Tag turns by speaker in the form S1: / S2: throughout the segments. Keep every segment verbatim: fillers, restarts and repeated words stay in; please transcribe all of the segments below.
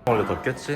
S1: 원래 덥겠지?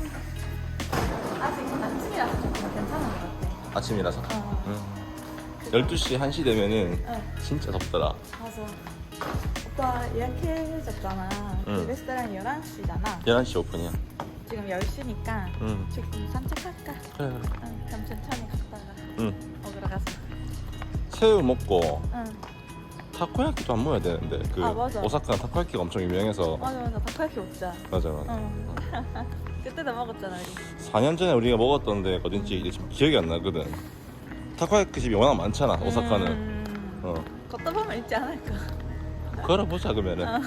S2: 아직 아침이라서 좀 괜찮은 것 같아.
S1: 아침이라서?
S2: 어.
S1: 응. 열두 시, 한 시 되면은
S2: 응.
S1: 진짜 덥더라.
S2: 맞아. 오빠 예약해줬잖아.
S1: 응.
S2: 그 레스토랑이 열한 시잖아.
S1: 열한 시 오픈이야.
S2: 지금 열 시니까
S1: 응.
S2: 지금 산책할까?
S1: 그래, 그래.
S2: 응. 그럼 천천히 갔다가
S1: 응.
S2: 먹으러 가자.
S1: 새우 먹고
S2: 응.
S1: 타코야키도 안 먹어야 되는데 그
S2: 아, 맞아.
S1: 오사카는 타코야키가 엄청 유명해서.
S2: 맞아 맞아. 닭갈비 먹자.
S1: 맞아 맞아.
S2: 응. 그때도 먹었잖아 우리.
S1: 사 년 전에 우리가 먹었던 데가 어딘지 이제 지금 기억이 안 나거든. 타코야키 집이 워낙 많잖아 오사카는.
S2: 음.
S1: 어.
S2: 걷다 보면 있지 않을까?
S1: 걸어보자 그러면은.
S2: 어.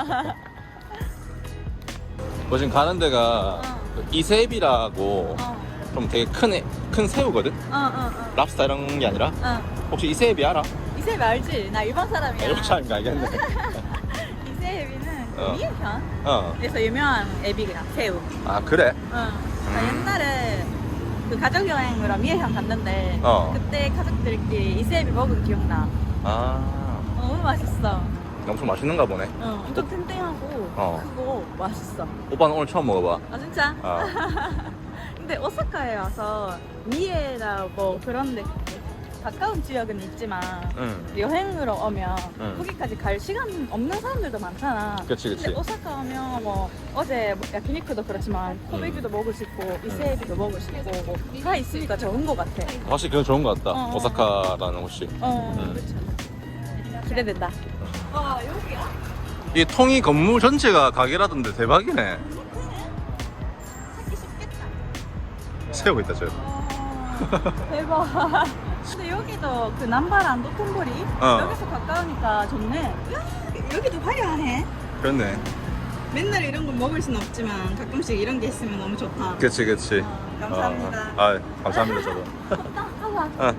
S1: 뭐 지금 가는 데가
S2: 어.
S1: 그 이세비라고
S2: 어.
S1: 좀 되게 큰, 애, 큰 새우거든?
S2: 어, 어, 어.
S1: 랍스타 이런 게 아니라.
S2: 어.
S1: 혹시 이세비 알아?
S2: 이세비 알지? 나 일본 사람이야.
S1: 일본 사람인가 알겠네.
S2: 이세비는
S1: 어.
S2: 미에현에서
S1: 어.
S2: 유명한 애비야 새우.
S1: 아 그래?
S2: 응. 나 옛날에 그 가족 여행으로 미에현 갔는데
S1: 어.
S2: 그때 가족들끼리 이세비 먹은 기억나.
S1: 아
S2: 너무 맛있어.
S1: 엄청 맛있는가 보네.
S2: 응. 엄청 탱탱하고
S1: 어.
S2: 크고 맛있어.
S1: 오빠는 오늘 처음 먹어봐.
S2: 아 진짜?
S1: 아.
S2: 근데 오사카에 와서 미에나 뭐 그런데 가까운 지역은 있지만
S1: 응.
S2: 여행으로 오면
S1: 응.
S2: 거기까지 갈 시간 없는 사람들도 많잖아.
S1: 그치 그치.
S2: 근데 오사카 오면 뭐 어제 뭐 야키니쿠도 그렇지만 코베기도 먹을 수 있고 이세비도 먹을 수 있고 뭐 다 있으니까 좋은 것 같아.
S1: 확실히 그건 좋은 것 같다.
S2: 어.
S1: 오사카라는 곳이.
S2: 어,
S1: 응.
S2: 그렇죠. 기대된다. 와 여기야?
S1: 이 통이 건물 전체가 가게라던데 대박이네.
S2: 찾기 쉽겠다.
S1: 새우가 있다 저.
S2: 와, 대박. 근데 여기도 그 남바란 도톤보리
S1: 어.
S2: 여기서 가까우니까 좋네. 야, 여기도 화려하네.
S1: 그렇네.
S2: 맨날 이런 거 먹을 순 없지만 가끔씩 이런 게 있으면 너무 좋다.
S1: 그치 그치.
S2: 어, 감사합니다.
S1: 어. 아 감사합니다 저도.
S2: 하와.
S1: 아.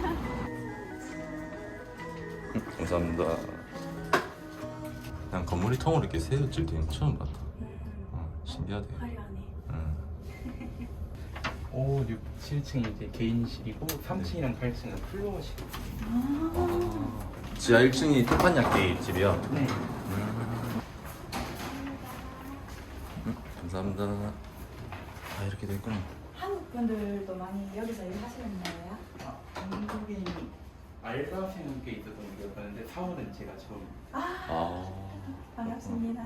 S1: 음, 감사합니다. 난 건물이 통으로 이렇게 새우집 되는 거 처음 봤다. 어, 신기하대.
S2: 화려하네.
S1: 음.
S3: 오, 육, 칠 층이 이제 개인실이고 삼 층이랑 팔 층은 플로어실.
S1: 아. 지하 일 층이 태판야끼 집이야.
S3: 네.
S1: 음. 음, 감사합니다. 아 이렇게 돼 있구나.
S2: 한국 분들도 많이 여기서 일하시는 거예요?
S3: 아, 한국인 알바생은 꽤 있었던 기억하는데 사원은 제가 처음.
S1: 아.
S2: 반갑습니다.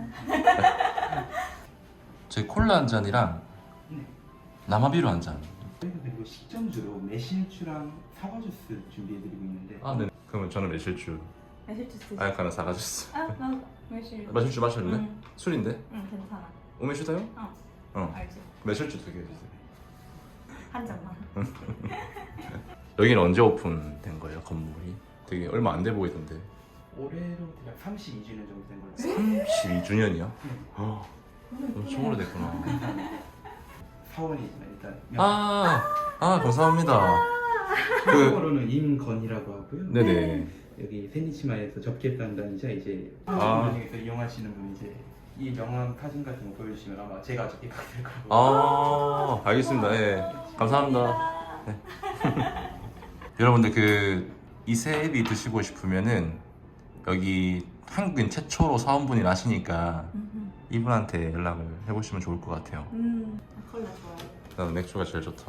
S1: 제 콜라 한 잔이랑
S3: 네.
S1: 남아비로 한 잔.
S3: 저희가 그리고 식전주로 매실주랑 사과 주스 준비해드리고 있는데.
S1: 아 네. 그러면 저는 매실주.
S2: 매실주 쓰지?
S1: 아야카는 사가주스.
S2: 아, 나 매실.
S1: 매실주 마실래?
S2: 응.
S1: 술인데?
S2: 응, 괜찮아.
S1: 오메슈다요?
S2: 어,
S1: 어.
S2: 알지.
S1: 매실주 두 개 주세요.
S2: 한 잔만.
S1: 여기는 언제 오픈된 거예요 건물이? 되게 얼마 안 돼 보이던데.
S3: 올해로 대략 삼십이 주년 정도 된 걸로 알고 있어요.
S1: 삼십이 주년이요?
S3: 네.
S1: 어, 엄청 오래됐구나.
S3: 사원이지만 일단.
S1: 아, 아 감사합니다. 그
S3: 한국어로는 임건이라고 하고요.
S1: 네네.
S3: 여기 세니치마에서 접객단단이자 이제
S1: 아.
S3: 여행에서 이용하시는 분 이제 이 명함 사진 같은 거 보여주시면 아마 제가 접객하게 될 거고.
S1: 아 알겠습니다. 예, 감사합니다. 네. 여러분들 그 이세비 드시고 싶으면은 여기 한국인 최초로 사원분이 아시니까
S2: 음,
S1: 이분한테 연락을 해보시면 좋을 것 같아요.
S2: 음, 아, 콜라 좋아해.
S1: 나는 맥주가 제일 좋다.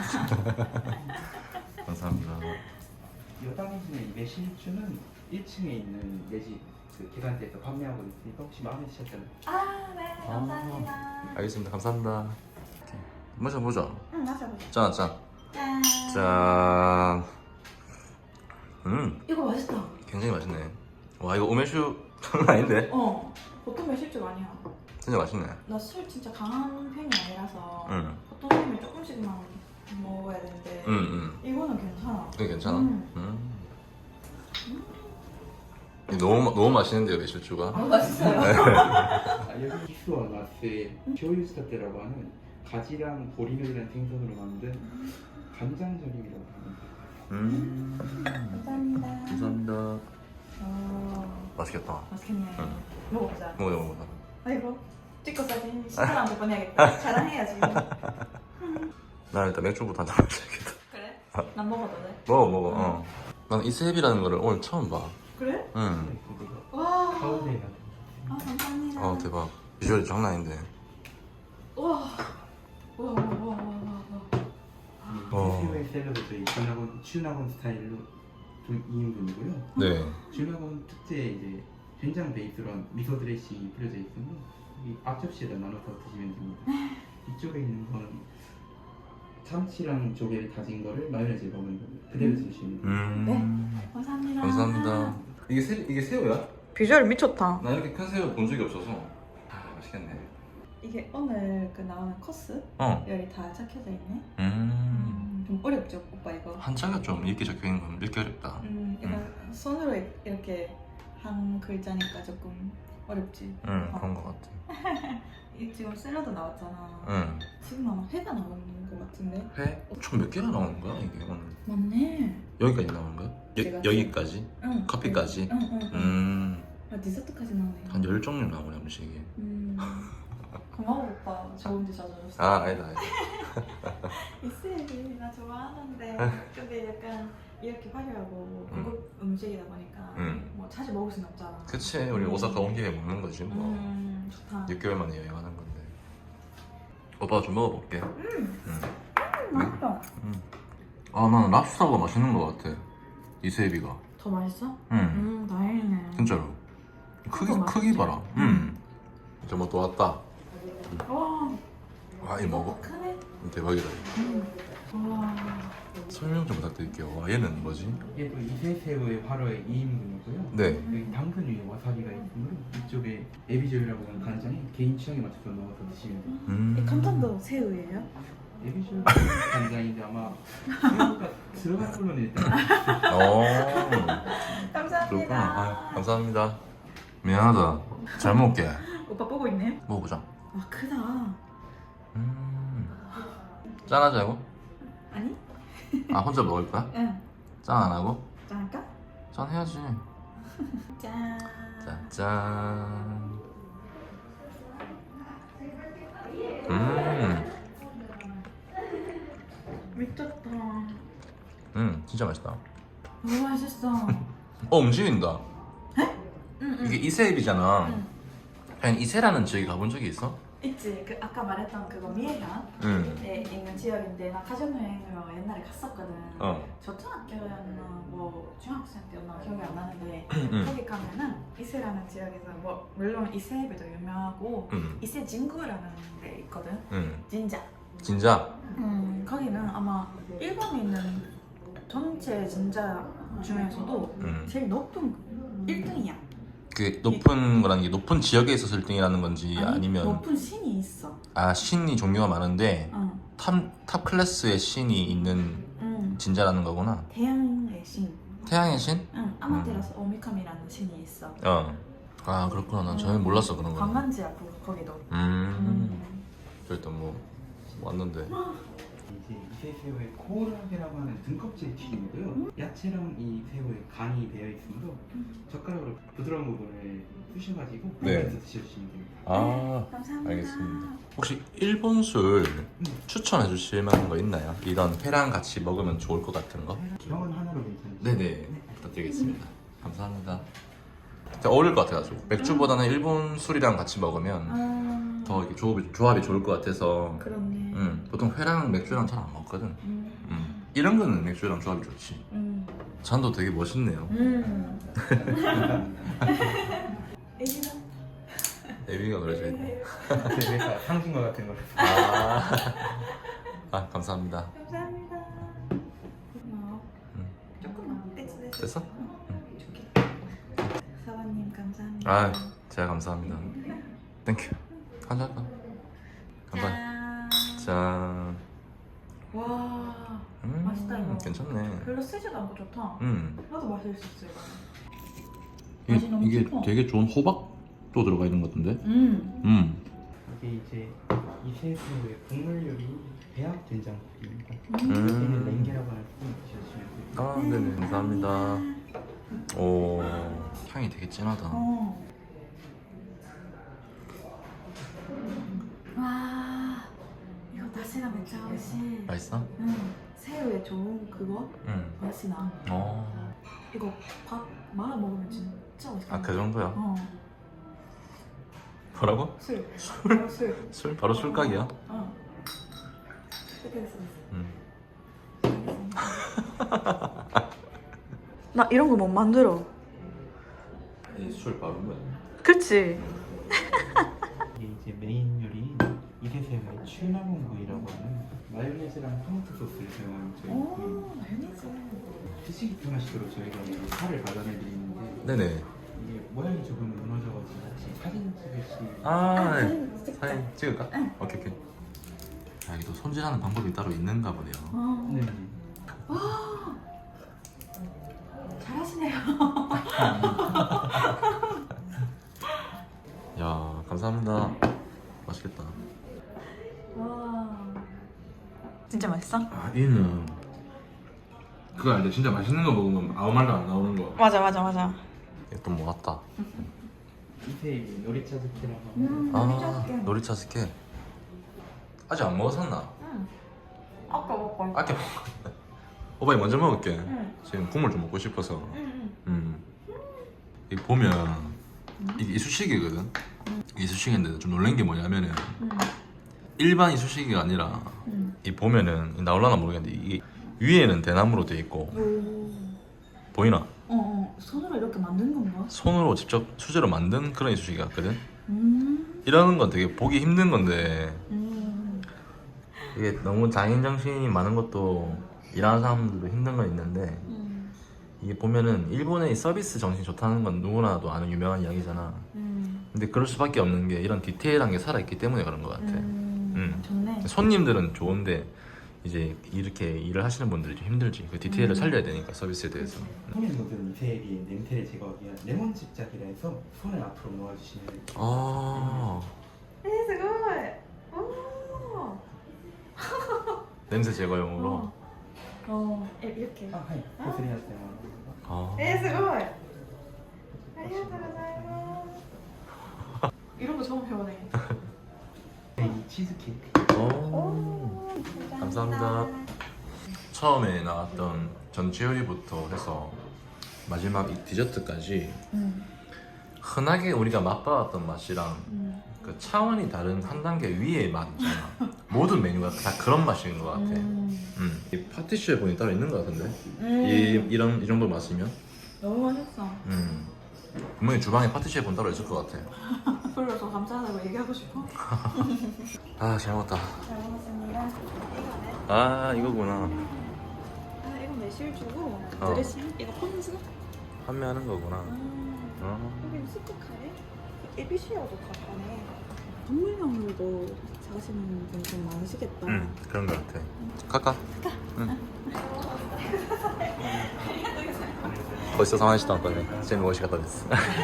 S1: 감사합니다.
S3: 여당이시는 이 매실주는 일 층에 있는 내집 그 계산대에서 판매하고 있으니까 혹시 마음에 드셨다면.
S2: 아, 네, 감사합니다.
S1: 알겠습니다. 감사합니다. 마셔보자.
S2: 응, 마셔보자.
S1: 짠, 짠.
S2: 짠.
S1: 짠. 음,
S2: 이거 맛있다.
S1: 굉장히 맛있네. 와, 이거 오메슈 장난 아닌데?
S2: 어, 보통 매실주 아니야.
S1: 진짜 맛있네.
S2: 나 술 진짜 강한 편이 아니라서
S1: 응.
S2: 보통 술면 조금씩만 먹어야 되는데
S1: 응, 응.
S2: 이거는 괜찮아.
S1: 이거 괜찮아?
S2: 음.
S1: 음. 이거 너무, 마- 너무 맛있는데요, 매실주가?
S2: 아, 맛있어요.
S3: 아, 여기 기스와 나스의 쇼유스타테라고 하는 가지랑 보리멸이라는 생선으로 만든 간장절임이라고 합니다.
S1: 음.
S2: 감사합니다.
S1: 감사합니다.
S2: 어,
S1: 맛있겠다.
S2: 맛있겠네.
S1: 응.
S2: 먹어보자.
S1: 먹어요, 먹어요.
S2: 아이고, 찍고 사진 신사람한테 보내야겠다. 자랑해야지.
S1: 나 일단 맥주부터 한잔 마셔야겠다.
S2: 그래?
S1: 아.
S2: 난 먹어도 돼?
S1: 먹어, 먹어, 어. 난 이세비라는 거를 오늘 처음 봐.
S2: 그래?
S1: 응.
S2: 와.
S3: 가운데에
S2: 아, 감사합니다.
S1: 아, 대박. 비주얼이 장난 아닌데.
S3: 샐러드 저희 준학원 준학원 스타일로 좀 이 인분이고요.
S1: 네.
S3: 준학원 특제 이제 된장 베이스로 한 미소 드레싱이 뿌려져 있으면 이 앞접시에다 나눠서 드시면 됩니다. 이쪽에 있는 건 참치랑 조개를 다진 거를 마요네즈에 먹은 거 그대로 드시면 됩니다.
S1: 음.
S2: 감사합니다.
S1: 감사합니다. 이게 새 이게 새우야?
S2: 비주얼 미쳤다.
S1: 나 이렇게 큰 새우 본 적이 없어서. 아 맛있겠네.
S2: 이게 오늘 그 나오는 코스
S1: 어.
S2: 열이 다 적혀져 있네.
S1: 음.
S2: 음, 좀 어렵죠, 오빠 이거.
S1: 한자가 좀 읽기 적혀 있는 건 읽기 어렵다.
S2: 음, 이거 손으로 이렇게 한 글자니까 조금 어렵지.
S1: 응
S2: 어.
S1: 그런 것 같아.
S2: 이 지금 샐러드 나왔잖아.
S1: 응.
S2: 지금 아마 회가 나오는 것 같은데.
S1: 회? 총 몇 개가 나오는 거야 이게 오늘?
S2: 맞네.
S1: 여기까지 나오는 거야?
S2: 제가
S1: 여, 여기까지?
S2: 응.
S1: 커피까지?
S2: 응, 응, 응.
S1: 음.
S2: 아, 디저트까지 나오네.
S1: 한 열 종류 나오네 음식이.
S2: 음. 고마워 오빠. 좋은 데 찾아줬어.
S1: 아 아니다 아니다.
S2: 이슬이 나 좋아하는데 근데 약간 이렇게 화려하고 고급 음. 음식이다 보니까
S1: 음.
S2: 뭐 자주 먹을 수는 없잖아.
S1: 그치 우리 오사카 온 김에 먹는 거지 뭐.
S2: 음 좋다.
S1: 육 개월 만에 여행하는 건데. 오빠가 좀 먹어볼게.
S2: 음,
S1: 응.
S2: 음 맛있어.
S1: 응. 아 나는 랍스타가 맛있는 것 같아. 이세비가.
S2: 더 맛있어?
S1: 응.
S2: 음 다행이네.
S1: 진짜로. 크기
S2: 그거
S1: 크기
S2: 맛있지?
S1: 봐라. 응. 이제 뭐 또 왔다.
S2: 와
S1: 와 이 먹어.
S2: 크네.
S1: 대박이다.
S2: 음. 와
S1: 설명 좀 부탁드릴게요. 와 얘는 뭐지?
S3: 이게 또 이세새우의 화로의 이 인분이고요.
S1: 네.
S3: 여기 당근 위에 와사비가 있으므로 이쪽에 에비조유라고 하는 간장에 개인 취향에 맞춰서 넣어서 드시면 돼요.
S1: 음.
S2: 이 칸탄도 새우예요?
S3: 에비조유 간장인데 아마 새우가 들어갈 걸로는 일단
S1: 어.
S2: 감사합니다.
S1: 그렇구나. 아, 감사합니다. 미안하다. 잘 먹을게.
S2: 오빠 보고 있네.
S1: 먹어보자.
S2: 와 크다.
S1: 음. 짠하자고?
S2: 아니?
S1: 아 혼자 먹을 거야?
S2: 응.
S1: 짠 안 하고?
S2: 짠할까?
S1: 짠 해야지.
S2: 짠.
S1: 짠짠. 음.
S2: 미쳤다.
S1: 음 진짜 맛있다.
S2: 너무 맛있어.
S1: 어 움직인다.
S2: 응, 응.
S1: 이게 이세입이잖아.
S2: 응.
S1: 그냥 이세라는 지역에 가본 적이 있어?
S2: 있지. 그 아까 말했던 그거 미에현에
S1: 응.
S2: 있는 지역인데 나 가족여행으로 옛날에 갔었거든.
S1: 어.
S2: 초등학교였나 뭐 중학생 때였나 기억이 안 나는데
S1: 응.
S2: 거기 가면은 이세라는 지역에서 뭐 물론 이세비도 유명하고
S1: 응.
S2: 이세 진구라는 데 있거든.
S1: 응.
S2: 진짜.
S1: 진짜?
S2: 음 거기는 아마 일본에 있는 전체 진짜 중에서도
S1: 응.
S2: 제일 높은 일 등이야.
S1: 그 높은 거라는 게 높은 지역에 있어서 일 등이라는 건지
S2: 아니,
S1: 아니면
S2: 높은 신이 있어.
S1: 아 신이 종류가 많은데
S2: 응.
S1: 탑, 탑 클래스의 신이 있는
S2: 응.
S1: 진자라는 거구나.
S2: 태양의 신.
S1: 태양의 신?
S2: 응. 아마테라스 오미카미라는 신이 있어.
S1: 어. 아 그렇구나. 난 전혀 몰랐어 그런 거.
S2: 관광지야 거- 거기도.
S1: 음.
S2: 음.
S1: 저 일단 뭐 왔는데.
S3: 이제 이세새우의 코오라게라고 하는 등껍질 튀김이고요. 야채랑 이 새우의 간이 배어 있으므로 젓가락으로 부드러운 부분을 쑤셔가지고
S1: 네.
S3: 네. 드셔주시면 됩니다.
S1: 아
S2: 감사합니다.
S1: 알겠습니다. 혹시 일본 술
S3: 음.
S1: 추천해 주실 만한 거 있나요? 이런 회랑 같이 먹으면 좋을 것 같은 거?
S3: 병원 하나로 괜찮으시죠?
S1: 네네 부탁드리겠습니다. 감사합니다. 진짜 어울릴 것 같아가지고 맥주보다는 일본 술이랑 같이 먹으면
S2: 아,
S1: 더 이렇게 조합이, 조합이 좋을 것 같아서.
S2: 그렇네.
S1: 음, 보통 회랑 맥주랑 잘 안 먹거든.
S2: 음.
S1: 음. 이런 거는 맥주랑 조합이 좋지.
S2: 음.
S1: 잔도 되게 멋있네요.
S2: 음.
S3: 감사합니다.
S2: 애기가
S1: 에비가 그려져 있네.
S3: 제 회사 상징과 같은 걸.
S1: 아, 아 감사합니다.
S2: 감사합니다. 고마워.
S1: 음.
S2: 조금만 됐어 됐어.
S1: 됐어?
S2: 줄게. 사관님 감사합니다.
S1: 아, 제가 감사합니다. 땡큐. 한잔 할까? 간다.
S2: 짠.
S1: 짠.
S2: 와
S1: 음,
S2: 맛있다, 이거.
S1: 괜찮네.
S2: 별로 쓰지도 않고 좋다.
S1: 음.
S2: 나도 마실 수 있어 이거.
S1: 이게,
S2: 맛이 너무
S1: 이게
S2: 깊어.
S1: 되게 좋은 호박도 들어가 있는 것 같은데?
S2: 음.
S1: 음.
S3: 이게 이제 이세새우의 국물 요리 배합 된장국입니다.
S2: 음.
S3: 얘는 랭게라고 하는 품 드셔주시면 돼요.
S1: 아, 네네. 감사합니다. 오, 향이 되게 진하다.
S2: 어. 와 이거 다시가 맥주 맛이.
S1: 맛있어?
S2: 응. 새우에 좋은 그거
S1: 응.
S2: 맛이 나.
S1: 어.
S2: 이거 밥 말아 먹으면 진짜 맛있어.
S1: 아, 그 정도야?
S2: 어.
S1: 뭐라고?
S2: 술. 바로 술.
S1: 술? 바로 술각이야?
S2: 어. 이렇게 됐어.
S1: 음.
S2: 알겠습니다. 나 이런 거 못 만들어.
S1: 술 바른 거야.
S2: 그치?
S3: 이게 이제 메인 요리인 이세세의 취나문구이라고 하는 마요네즈랑 토마토 소스를 사용한 저희
S2: 오,
S3: 구이.
S2: 마요네즈.
S3: 드시기 편하시도록 저희가 이제 살을 발라내 드리는데
S1: 네네.
S3: 이게 모양이 조금 무너져가지고 혹시 사진 찍으시
S1: 아, 네.
S2: 찍자.
S1: 사진 찍을까?
S2: 응.
S1: 오케이 오케이. 아, 이게 또 손질하는 방법이 따로 있는가 보네요.
S2: 어.
S3: 네.
S2: 잘하시네요.
S1: 야, 감사합니다. 맛있겠다.
S2: 와. 진짜 맛있어?
S1: 아, 얘는 그거 알죠? 진짜 맛있는 거 먹으면 아무 말도 안 나오는 거.
S2: 맞아 맞아 맞아.
S1: 또 뭐 같다.
S3: 이세이 요리차 스키라고
S2: 음,
S1: 아, 놀이차 스케. 아직 안 먹었었나?
S2: 응. 아까 먹고.
S1: 아껴 먹. 오빠이 먼저 먹을게.
S2: 응.
S1: 지금 국물 좀 먹고 싶어서.
S2: 응.
S1: 음. 이 보면 이게 이쑤시개거든. 이쑤시개인데 좀 놀란 게 뭐냐면은
S2: 응.
S1: 일반 이쑤시개가 아니라
S2: 응.
S1: 이 보면은 나올라나 모르겠는데 이게 위에는 대나무로 돼 있고
S2: 오.
S1: 보이나?
S2: 어, 어. 손으로 이렇게 만든 건가?
S1: 손으로 직접 수제로 만든 그런 이쑤시개 같거든.
S2: 음.
S1: 이러는 건 되게 보기 힘든 건데
S2: 음.
S1: 이게 너무 장인 정신이 많은 것도 일하는 사람들도 힘든 건 있는데
S2: 음.
S1: 이게 보면은 일본의 이 서비스 정신이 좋다는 건 누구나도 아는 유명한 이야기잖아.
S2: 음.
S1: 근데 그럴 수밖에 없는 게 이런 디테일한 게 살아있기 때문에 그런 것 같아.
S2: 음.
S1: 음.
S2: 좋네.
S1: 손님들은 좋은데 이제 이렇게 일을 하시는 분들이 좀 힘들지. 그 디테일을
S2: 음.
S1: 살려야 되니까 서비스에 대해서.
S3: 손에 묻은 이세리의 냄새를 제거하기 위한 레몬 집작이라 해서 손을 앞으로 모아주시면
S1: 아,
S2: えー、すごい。お
S1: 냄새 제거용으로.
S2: 어. 어. 에, 이렇게.
S3: 아, 하이 고스리하세요.
S1: 아.
S2: えー、すごい。ありがとうございます。 이런 거 처음 배우네.
S3: 이 치즈케이크.
S1: 오. 감사합니다. 처음에 나왔던 전체 요리부터 해서 마지막 이 디저트까지
S2: 음.
S1: 흔하게 우리가 맛봐왔던 맛이랑
S2: 음.
S1: 그 차원이 다른 한 단계 위의 맛 있잖아. 모든 메뉴가 다 그런 맛인 것 같아. 음.
S2: 음.
S1: 이 파티슈에 보니 따로 있는 것 같은데.
S2: 음.
S1: 이 이런 이 정도 맛이면.
S2: 너무 맛있어.
S1: 음. 분명히 주방에 파티슈에 본 따로 있을 것 같아.
S2: 불러서 감사하다고 얘기하고 싶어.
S1: 아, 잘 먹었다.
S2: 잘 먹었습니다. 이거네.
S1: 아, 이거구나.
S2: 아, 이건 매실주고
S1: 어.
S2: 드레싱. 이거 폰즈.
S1: 판매하는 거구나.
S2: 아.
S1: 어.
S2: 여기 스프카레? 에비시아도 가까네. 동물용으로도 사시는 분 좀 많으시겠다.
S1: 응, 그런 것 같아. 갈까? 응. 벌써 상황시다 왔거든. 재미 멋이 갖다 됐어.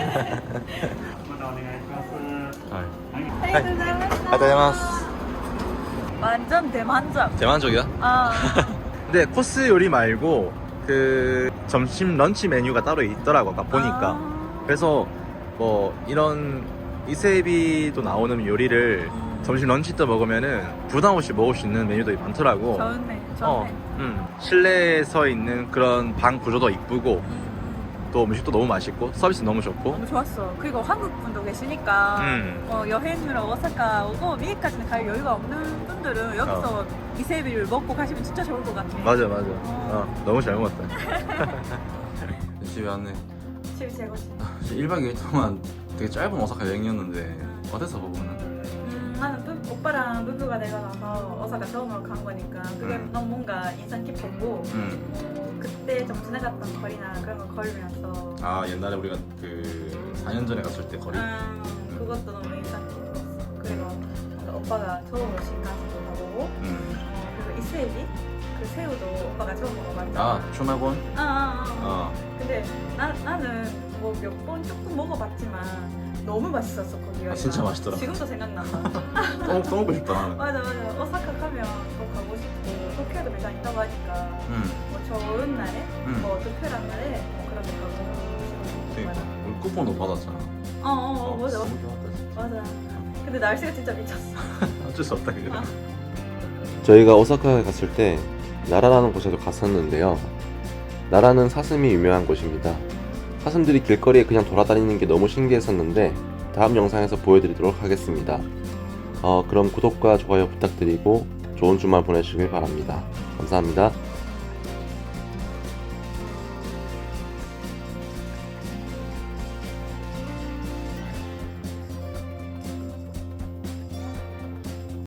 S1: 아리가토고자이마스.
S2: 완전 대만족.
S1: 대만족이야?
S2: 아.
S1: 근데 코스 요리 말고 그 점심 런치 메뉴가 따로 있더라고 아까 보니까.
S2: 아.
S1: 그래서 뭐 이런 이세비도 나오는 요리를 점심 런치 때 먹으면은 부담 없이 먹을 수 있는 메뉴도 많더라고.
S2: 좋네. 좋네.
S1: 어, 음. 실내에서 있는 그런 방 구조도 이쁘고 또 음식도 너무 맛있고 서비스 너무 좋고.
S2: 너무 좋았어. 그리고 한국 분도 계시니까
S1: 음.
S2: 어, 여행으로 오사카 오고 미에까지는 갈 여유가 없는 분들은 여기서 이세비를 먹고 가시면 진짜 좋을 것 같아.
S1: 맞아 맞아. 어, 너무 잘 먹었다. 집에 왔네.
S2: 집이 최고지.
S1: 일박 이일 동안 되게 짧은 오사카 여행이었는데 어땠어 부부는?
S2: 음, 나는 부, 오빠랑 부부가 내가 나서 오사카 처음으로 간 거니까 그게
S1: 음.
S2: 너무 뭔가 인상 깊었고
S1: 음.
S2: 어, 그때 좀 지나갔던 거리나 그런 거 걸으면서
S1: 아 옛날에 우리가 그 사 년 전에 갔을 때 거리?
S2: 음, 그것도 너무 인상 깊었어. 그리고 뭔가 오빠가 처음으로 신간스도 가보고
S1: 음.
S2: 그리고 이세비 그 새우도 오빠가 처음 먹어봤잖아.
S1: 아 추마곤?
S2: 아, 아, 아.
S1: 어.
S2: 근데 나, 나는 뭐 몇 번 조금 먹어봤지만 너무 맛있었어 거기가.
S1: 아, 진짜 맛있더라.
S2: 지금도 생각난다.
S1: 또, 또 먹고 싶다 나는.
S2: 맞아 맞아. 오사카 가면 더 가고 싶고 도쿄에도 매장 있다고 하니까
S1: 음.
S2: 뭐 좋은 날에
S1: 음.
S2: 뭐 특별한 날에 뭐 그런 데 가고 싶고.
S1: 그러니까
S2: 맞아.
S1: 우리 쿠폰도 받았잖아.
S2: 어어 어, 맞아
S1: 너무 좋았다 진짜.
S2: 맞아. 근데 날씨가 진짜 미쳤어.
S1: 어쩔 수 없다 그래.
S2: 아.
S4: 저희가 오사카에 갔을 때 나라라는 곳에도 갔었는데요. 나라는 사슴이 유명한 곳입니다. 사슴들이 길거리에 그냥 돌아다니는 게 너무 신기했었는데 다음 영상에서 보여드리도록 하겠습니다. 어, 그럼 구독과 좋아요 부탁드리고 좋은 주말 보내시길 바랍니다. 감사합니다.